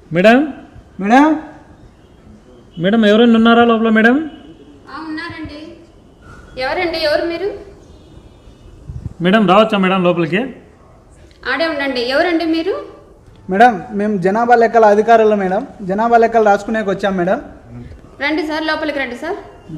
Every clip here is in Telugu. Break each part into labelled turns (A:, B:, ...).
A: మేడం
B: మేడం
A: మేడం ఎవరైనా ఉన్నారా లోపల? మేడం
C: ఉన్నారండి. ఎవరండి? ఎవరు మీరు?
A: మేడం రావచ్చా మేడం లోపలికి?
C: ఆడే ఉండండి. ఎవరండి మీరు?
B: మేడం మేము జనాభా లెక్కల అధికారులు మేడం. జనాభా లెక్కలు రాసుకునేకి వచ్చాం మేడం.
C: రండి సార్, లోపలికి రండి సార్.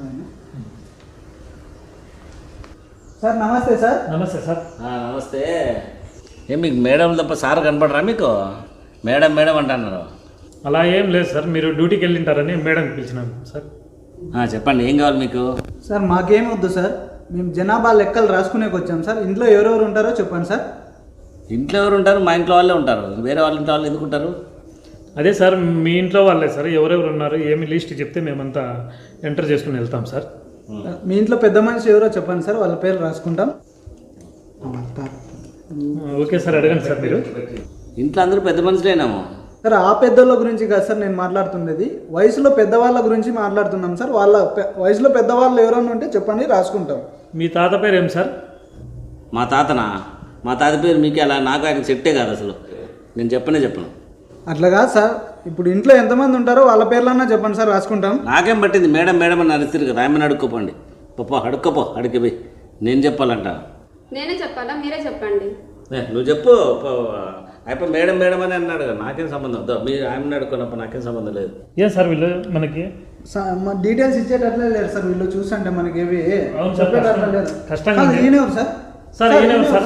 B: సార్ నమస్తే సార్.
A: నమస్తే సార్.
D: నమస్తే. మీకు మేడం తప్ప సార్ కనపడరా మీకు? మేడం మేడం అంటున్నారు.
A: అలా ఏం లేదు సార్, మీరు డ్యూటీకి వెళ్ళింటారని మేడం పిలిచినాను సార్.
D: చెప్పండి, ఏం కావాలి మీకు?
B: సార్ మాకేం వద్దు సార్, మేము జనాభా లెక్కలు రాసుకునేకి వచ్చాం సార్. ఇంట్లో ఎవరెవరు ఉంటారో చెప్పండి సార్.
D: ఇంట్లో ఎవరు ఉంటారు? మా ఇంట్లో వాళ్ళే ఉంటారు. వేరే వాళ్ళ ఇంట్లో వాళ్ళు ఎందుకు ఉంటారు?
A: అదే సార్, మీ ఇంట్లో వాళ్ళే సార్. ఎవరెవరు ఉన్నారు ఏమి లిస్ట్ చెప్తే మేమంతా ఎంటర్ చేసుకుని వెళ్తాం సార్.
B: మీ ఇంట్లో పెద్ద మనిషి ఎవరో చెప్పండి సార్, వాళ్ళ పేరు రాసుకుంటాం.
A: ఓకే సార్, అడగండి సార్. మీరు
D: ఇంట్లో అందరూ పెద్ద మనుషులేనాము
B: సార్. ఆ పెద్దోళ్ళ గురించి కాదు సార్ నేను మాట్లాడుతున్నది, వయసులో పెద్దవాళ్ళ గురించి మాట్లాడుతున్నాం సార్. వాళ్ళ వయసులో పెద్దవాళ్ళు ఎవరైనా ఉంటే చెప్పండి, రాసుకుంటాం.
A: మీ తాత పేరు ఏం సార్?
D: మా తాతనా? మా తాత పేరు మీకే అలా నాకు ఆయన సెట్టే కాదు అసలు. నేను చెప్పను.
B: అట్లా కాదు సార్, ఇప్పుడు ఇంట్లో ఎంతమంది ఉంటారో వాళ్ళ పేర్లన్నా చెప్పండి సార్, రాసుకుంటాం.
D: నాకేం పట్టింది? మేడం మేడం అని అరుస్తారు కదా, ఆమెను అడుక్కోపోండి. అడుక్కపో అడిగిపోయి నేను చెప్పాలంట.
C: నేనే చెప్పాలా? మీరే చెప్పండి.
D: నువ్వు చెప్పు. అయిపోయి మేడం మేడం అని అన్నాడు కదా, నాకేం సంబంధం? మీరు ఆమెను అడుక్కున్నప్పుడు నాకేం సంబంధం లేదు.
A: ఏం సార్ వీళ్ళు మనకి
B: డీటెయిల్స్ ఇచ్చేటట్లే లేరు సార్ వీళ్ళు. చూసంటే మనకి ఏవి
A: అవును సార్,
B: చెప్పేటట్లే లేరు.
A: కష్టంగా
B: ఈయనెవరు సార్?
A: సార్ ఈయనెవరు సార్?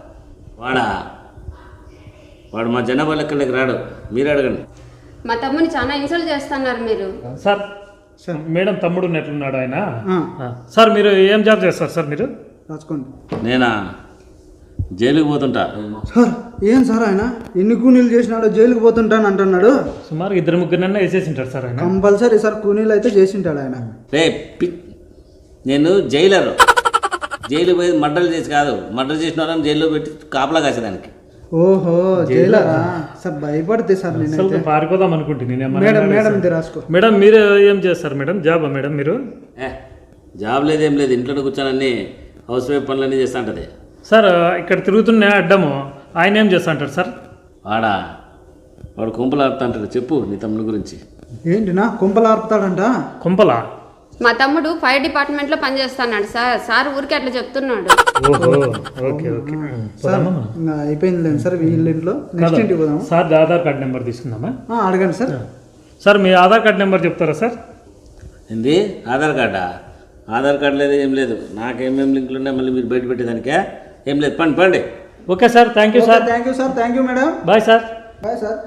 D: వాడు మా జనాభా లెక్కలకి రాడు, మీరు అడగండి.
C: మా తమ్ముని చాలా ఇన్సల్ట్ చేస్తున్నారు మీరు.
A: సార్ మేడం తమ్ముడు ఉన్నట్లున్నాడు ఆయన. సార్ మీరు ఏం జాబ్ చేస్తారు సార్? మీరు
B: రాసుకోండి.
D: నేనా? జైలుకి పోతుంటా
B: సార్. ఏం సార్ ఆయన ఎన్ని కూనీలు చేసినాడో జైలుకి పోతుంటాను అంటున్నాడు.
A: సుమారు 2-3 వేసేసి ఉంటారు సార్ ఆయన.
B: కంపల్సరీ సార్ కూనీలు అయితే చేసింటాడు ఆయన.
D: నేను జైలరు. జైలు పోయి మర్డర్లు చేసి కాదు, మర్డర్ చేసిన వాళ్ళని జైల్లో పెట్టి కాపలా కాసేదానికి.
B: ఓహో జైలరా సార్? భయపడితే సార్ నేను
A: పారిపోదాం అనుకుంటున్నాను.
B: మేడం ఇది రాసుకో.
A: మేడం మీరు ఏం చేస్తారు మేడం? జాబా మేడం మీరు?
D: జాబ్ లేదేం లేదు, ఇంట్లో కూర్చొని హౌస్ వైఫ్ పనులన్నీ చేస్తా ఉంటుంది
A: సార్. ఇక్కడ తిరుగుతున్న అడ్డము ఆయన ఏం చేస్తా అంటారు సార్?
D: వాడు కుంపలు ఆడుతా అంటాడు. చెప్పు నీ తమ్ముడి గురించి.
B: ఏంటినా కుంపలు ఆర్పుతాడంట?
A: కుంపలా?
C: మా తమ్ముడు ఫైర్ డిపార్ట్మెంట్లో పనిచేస్తున్నాడు సార్. సార్ ఊరికి అట్లా చెప్తున్నాడు.
A: ఓకే ఓకే
B: సార్ అయిపోయింది సార్. వీళ్ళ ఇంట్లో నెక్స్ట్ ఇంటికి పోదాం
A: సార్. ఆధార్ కార్డ్ నెంబర్ తీసుకుందామా?
B: అడగండి సార్.
A: సార్ మీ ఆధార్ కార్డ్ నెంబర్ చెప్తారా సార్?
D: ఏంది ఆధార్ కార్డా? ఆధార్ కార్డు లేదు, ఏం లేదు. నాకేమేమి లింకులు ఉన్నాయి మళ్ళీ మీరు బయట పెట్టేదానికే? ఏం లేదు, పండి.
A: Okay sir, thank you sir.
B: Thank you sir. Thank you madam.
A: Bye sir.
B: Bye sir.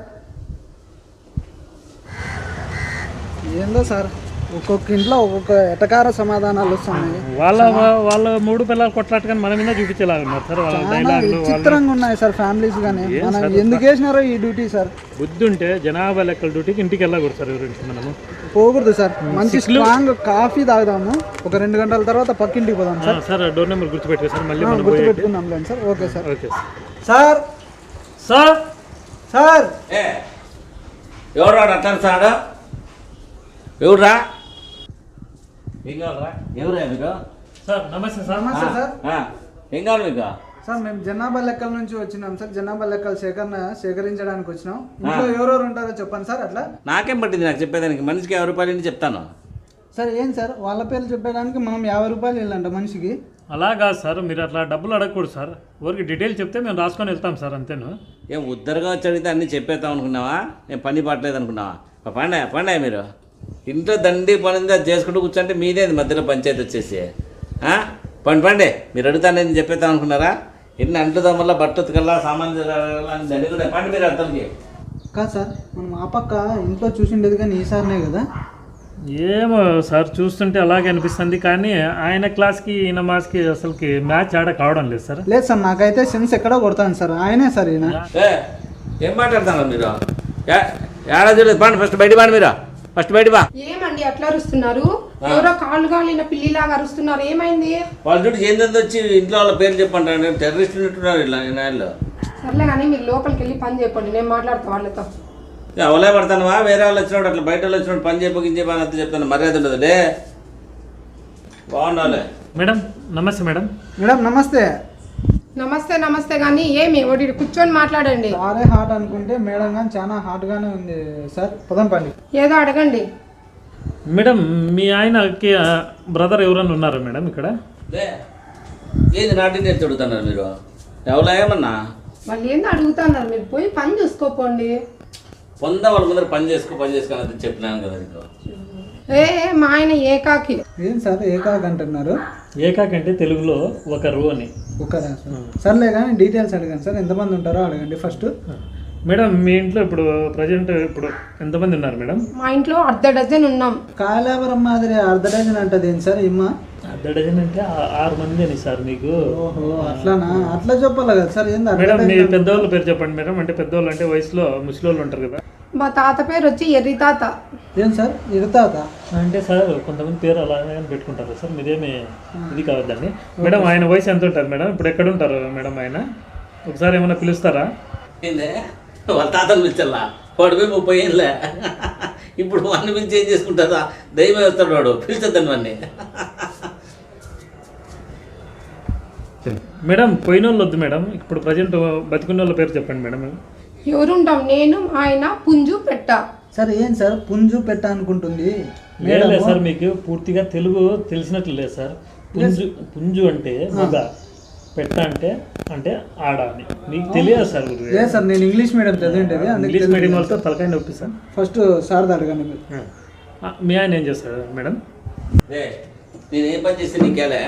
B: ఏందో సార్, ఒక్కొక్క ఇంట్లో ఒక్కొక్క ఎటకార సమాధానాలు వస్తున్నాయి.
A: వాళ్ళ 3 పిల్లలు కొట్లాట్టుకొని మన మీద చూపించేలాగా ఉన్నారు సార్. వాళ్ళ డైలాగులు
B: విచిత్రంగా ఉన్నాయి సార్. ఫ్యామిలీస్ గానీ మనం ఎందుకు వేసినారో ఈ డ్యూటీ సార్.
A: బుద్ధి ఉంటే జనాభా లెక్కల డ్యూటీకి ఇంటికి వెళ్ళకూడదు సార్. గురించి మనము
B: పోకూడదు సార్. మంచి స్ట్రాంగ్ కాఫీ తాగుదాము, ఒక 2 గంటల తర్వాత పక్కింటికి పోదాం సార్.
A: సార్ డోర్ నెంబర్ గుర్తుపెట్టుకో సార్. మళ్ళీ మనం
B: గుర్తుపెట్టుకుందాం లేండి sir. Okay sir.
A: Okay
B: sir.
A: Sir
B: sir
D: ఎవరు రాడు అంటారు సార్? ఎవరురా? ఏం కావాలరా? ఎవరా మీకు?
A: సార్ నమస్తే సార్.
B: నమస్తే సార్.
D: ఏం కావాలి మీకు?
B: సార్ మేము జనాభా లెక్కల నుంచి వచ్చినాం సార్. జనాభా లెక్కలు సేకరించడానికి వచ్చినాం. ఇంట్లో ఎవరెవరు ఉంటారో చెప్పండి సార్. అట్లా
D: నాకేం పట్టింది నాకు చెప్పేదానికి? మనిషికి 50 రూపాయలు చెప్తాను
B: సార్. ఏం సార్ వాళ్ళ పేర్లు చెప్పడానికి మనం 50 రూపాయలు ఇల్లంట మనిషికి?
A: అలా కాదు సార్, మీరు అట్లా డబ్బులు అడగకూడదు సార్. ఊరికి డీటెయిల్ చెప్తే మేము రాసుకొని వెళ్తాం సార్, అంతేను.
D: ఏం ఉద్దరుగా వచ్చి అడిగితే అన్నీ చెప్పేస్తాం అనుకున్నావా? నేను పని పట్టలేదు అనుకున్నావా? పండే మీరు ఇంట్లో దండి పని అది చేసుకుంటూ కూర్చుంటే మీదేది మధ్యలో పంచాయతీ వచ్చేసి పండి మీరు అడుగుతాను చెప్పేద్దాం అనుకున్నారా? ఎన్ని అంట్లు దమ్మల్లా బట్టకల్లా సామాన్లు దండి కూడా పండి మీరు అర్థంకి
B: కాదు సార్. మనం ఆ పక్క ఇంట్లో చూసిండేది కానీ ఈసారినే కదా.
A: ఏమో సార్, చూస్తుంటే అలాగే అనిపిస్తుంది. కానీ ఆయన క్లాస్కి ఈయన మాస్కి అసలుకి మ్యాచ్ ఆడ కావడం లేదు సార్.
B: లేదు సార్, నాకైతే సెన్స్ ఎక్కడో కొడతాను సార్. ఆయనే సార్ ఈయన.
D: ఏం మాట్లాడతాను మీరు? ఏడా చూడలేదు. పండి ఫస్ట్ బయట పండి. మీరు ఫస్ట్ బయట బా.
E: ఏమండి అట్లా అరుస్తున్నారు? ఎవరో కాళ్ళు కాలిన పిల్లిలాగా అరుస్తున్నారు. ఏమైంది?
D: వాళ్ళ చుట్టూ ఏందని వచ్చి ఇంట్లో వాళ్ళ పేరు చెప్పంటారు. టెర్రరిస్టులు ఉంటున్నారు ఇలా నాయల్లో.
E: సర్లే కానీ మీరు లోపలికి వెళ్ళి పని చెప్పండి, నేను మాట్లాడతా వాళ్ళతో.
D: అవలే పడతానువా? వేరే వాళ్ళు వచ్చినప్పుడు అట్లా బయట వాళ్ళు వచ్చినప్పుడు పని చెప్పని అంత చెప్తాను. మర్యాద ఉండదు డే. బాగుండాలి.
A: మేడం నమస్తే. మేడం
B: మేడం నమస్తే.
E: నమస్తే నమస్తే కానీ ఏమి ఒకటి కూర్చొని మాట్లాడండి.
B: సారే హాట్ అనుకుంటే మేడం కానీ చాలా హాట్గానే ఉంది సార్. పదం పండి.
E: ఏదో అడగండి.
A: మేడం మీ ఆయనకి బ్రదర్ ఎవరైనా ఉన్నారా మేడం ఇక్కడ?
D: లే, ఏది నాటి నేను చెడుతున్నారు మీరు ఎవరా ఏమన్నా
E: వాళ్ళు ఏందో అడుగుతున్నారు, మీరు పోయి పని చూసుకోపోండి.
D: వాళ్ళ ముందర పని చేసుకోని చెప్పినాను కదా నీకు.
E: మా ఆయన ఏకాకి.
B: ఏం సార్ ఏకాక్ అంటున్నారు?
A: ఏకాక్ అంటే తెలుగులో ఒకరు అని.
B: ఒకరా సార్? సర్లే కానీ డీటెయిల్స్ అడగండి సార్. ఎంతమంది ఉంటారో అడగండి ఫస్ట్.
A: మేడం మీ ఇంట్లో ఇప్పుడు ప్రజెంట్ ఎంతమంది ఉన్నారు మేడం?
E: మా ఇంట్లో 1/2 డజన్ ఉన్నాం.
B: కాయలాపురం మాదిరి 1/2 డజన్ అంటది ఏంటి సార్ ఇమ్మ?
A: 1/2 డజన్ అంటే 6 మంది అని సార్ మీకు.
B: ఓహో అట్లానా? అట్లా చెప్పాలి కదా సార్. ఏంది
A: మేడం మీ పెద్దవాళ్ళ పేరు చెప్పండి మేడం. అంటే పెద్దవాళ్ళు అంటే వయసులో ముసలివాళ్ళు ఉంటారు కదా.
E: మా తాత పేరు వచ్చి ఎర్రి తాత.
B: ఏం సార్ ఇరుతాత?
A: అంటే సార్ కొంతమంది పేరు అలాగే పెట్టుకుంటారు సార్. మీరేమి ఇది కావద్దండి మేడం. ఆయన వయసు ఎంత ఉంటారు మేడం? ఇప్పుడు ఎక్కడ ఉంటారు మేడం ఆయన? ఒకసారి ఏమైనా పిలుస్తారా?
D: ఏందే వాళ్ళ తాతను పిలిచల్లా వాడు పోయి 30 ఏళ్ళే. ఇప్పుడు వాడిని పిలిచి ఏం చేసుకుంటారా? దైవం వస్తాడు వాడు, పిలిచొద్దండి వాడిని.
A: మేడం పోయిన వాళ్ళు వద్దు మేడం. ఇప్పుడు ప్రజెంట్ బతికున్న వాళ్ళ పేరు చెప్పండి మేడం.
E: ఎవరుంటాం? నేను, మా ఆయన, పుంజు, పెట్ట.
B: సార్ ఏం సార్ పుంజు పెట్ట అనుకుంటుంది
A: లేదు సార్, మీకు పూర్తిగా తెలుగు తెలిసినట్లు లేదు సార్. పుంజు అంటే మగ, పెట్ట అంటే అంటే ఆడ అని మీకు తెలియదు సార్.
B: లేదు సార్ నేను ఇంగ్లీష్ మీడియం చదివిండేది.
A: ఇంగ్లీష్ మీడియం వాళ్ళతో తలకాయ నొప్పి సార్.
B: ఫస్ట్ సార్ అడగండి మీరు.
A: మీ ఆయన ఏం చేస్తాడు మేడం?
D: నేను ఏం పని చేస్తే నీకేలే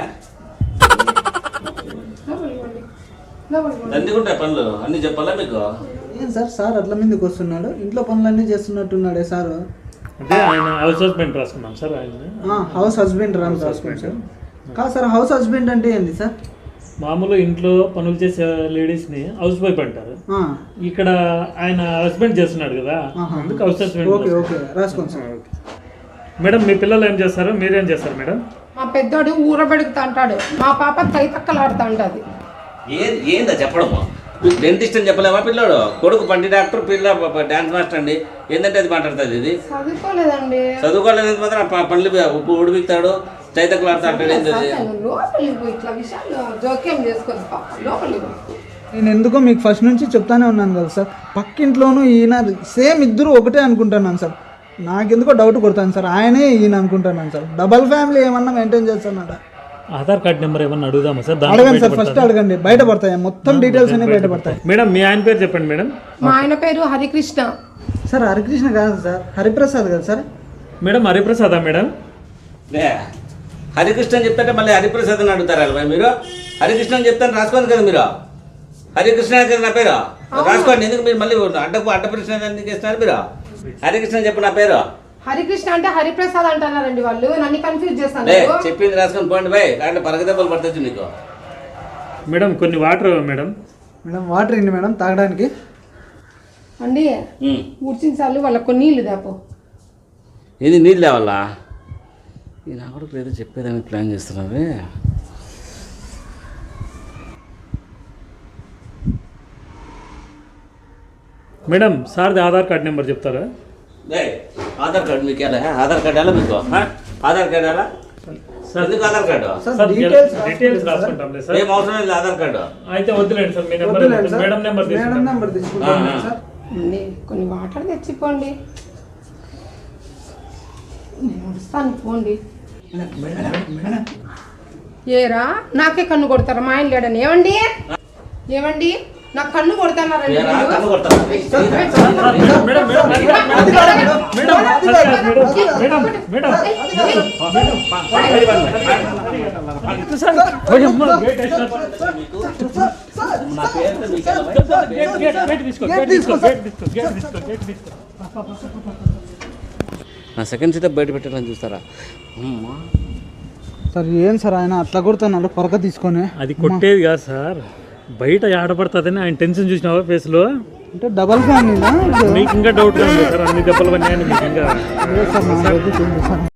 D: అందుకుంటా పనులు అన్నీ చెప్పాలా మీకు?
B: ఏం సార్ సార్ అట్లా మీదకి వస్తున్నాడు? ఇంట్లో పనులన్నీ చేస్తున్నట్టున్నాడే సార్.
A: అంటే ఆయన హౌస్ హస్బెండ్ రాసుకున్నాం సార్. ఆయన
B: హౌస్ హస్బెండ్ రాసుకోండి సార్. కాదు సార్ హౌస్ హస్బెండ్ అంటే ఏంది సార్?
A: మామూలు ఇంట్లో పనులు చేసే లేడీస్ని హౌస్ వైఫ్ అంటారు. ఇక్కడ ఆయన హస్బెండ్ చేస్తున్నాడు కదా, అందుకు హౌస్ హస్బెండ్.
B: ఓకే ఓకే రాసుకోండి సార్.
A: మేడం మీ పిల్లలు ఏం చేస్తారు, మీరేం చేస్తారు మేడం?
E: మా పెద్దోడు ఊరబెడుగుతా అంటాడు, మా పాప తైతక్కలాడుతా ఉంటుంది.
D: ఏందా చెప్పడము? డెంటిస్ట్ అని చెప్పలేమా పిల్లోడు? కొడుకు పండి డాక్టర్, పిల్ల డాన్స్ మాస్టర్ అండి. ఏంటంటే అది మాట్లాడుతుంది. ఇది
E: చదువుకోలేదండి.
D: చదువుకోలేదు మాత్రం పనులు ఉప్పు ఉడిపిస్తాడు, చైతకులాడుతా అంటాడు. ఏంటది?
E: లోపలికి పోయి ఇట్లా విషయాలు జోక్యం చేసుకోదు పాప. లోపలికి పోయి
B: నేను ఎందుకో మీకు ఫస్ట్ నుంచి చెప్తానే ఉన్నాను కదా సార్. పక్కింట్లోనూ ఈయన సేమ్ ఇద్దరు ఒకటే అనుకుంటున్నాను సార్. నాకెందుకో డౌట్ కొడతాను సార్. ఆయనే ఈయన అనుకుంటున్నాను సార్. డబల్ ఫ్యామిలీ ఏమన్నా మెయింటైన్ చేస్తానట.
A: ఆధార్ కార్డ్ నెంబర్ ఏమన్నా అడుగుదామా సార్?
B: అడగండి సార్, ఫస్ట్ అడగండి. బయటపడతాయి మొత్తం డీటెయిల్స్ అన్ని బయటపడతాయి.
A: మేడం మీ ఆయన పేరు చెప్పండి మేడం.
E: మా ఆయన పేరు హరికృష్ణ.
B: సార్ హరికృష్ణ కాదు సార్, హరిప్రసాద్ కదా సార్.
A: మేడం హరిప్రసాదా మేడం?
D: హరికృష్ణ అని చెప్తే మళ్ళీ హరిప్రసాద్ అని అడుగుతారా మీరు? హరికృష్ణ అని చెప్తాను రాసుకోండి కదా మీరు. హరికృష్ణ కదా నా పేరు, రాసుకోండి. ఎందుకు మీరు మళ్ళీ అడ్డప్రశ్న ఎందుకు ఇస్తున్నారు మీరు? హరికృష్ణ చెప్పు నా పేరు.
E: హరికృష్ణ అంటే హరిప్రసాద్ అంటున్నారండి వాళ్ళు. నన్ను కన్ఫ్యూజ్ చేస్తాను.
D: చెప్పింది రాసుకొని పోండి బాయ్, అంటే పరగదెబ్బలు పడుతుంది నీకు.
A: మేడం కొన్ని వాటర్ మేడం.
B: మేడం వాటర్ ఇండి మేడం తాగడానికి.
E: అండి ఊడ్చిన సార్లు వాళ్ళకు నీళ్లు దాపో.
D: ఇది నీళ్ళు లేవాలా? ఈ నా కూడా ఏదో చెప్పేదానికి ప్లాన్ చేస్తున్నావే.
A: మేడం సార్ది ఆధార్ కార్డ్ నెంబర్ చెప్తారా?
D: ఆధార్ కార్డు మీకు ఎలా? ఆధార్ కార్డు ఎలా మీకు? ఆధార్ కార్డు ఎలా? ఎందుకు ఆధార్ కార్డు?
A: డీటెయిల్స్ రాసుకుంటాం సార్.
D: ఏం అవసరం లేదు ఆధార్ కార్డు.
A: అయితే వద్దులేండి సార్. మీ నెంబర్ మేడం నెంబర్
B: తీసుకుంటాం సార్.
E: కొన్ని వాటర్ తెచ్చిపోండి. నేను వస్తాను పోండి. ఏరా నాకే కన్ను కొడతారా? మా ఆయన లేడని. ఏమండి ఏమండి నాకు కన్ను కొడతానారండి.
D: కన్ను కొడతాను. నా సెకండ్ సీట్ బయట పెట్టాలని చూస్తారా?
B: సార్ ఏం సార్ ఆయన అట్లా కొడుతున్నాడు పొరక తీసుకొని?
A: అది కొట్టేది కాదు సార్, బయట ఆడపడుతుందని ఆయన టెన్షన్ చూసినావా ఫేస్లో?
B: అంటే డబల్ ఫ్యామిలీనా?
A: మీకు ఇంకా డౌట్ ఉంది సార్, అన్ని దెబ్బలు పడినాయని మీకు ఇంకా.
B: సార్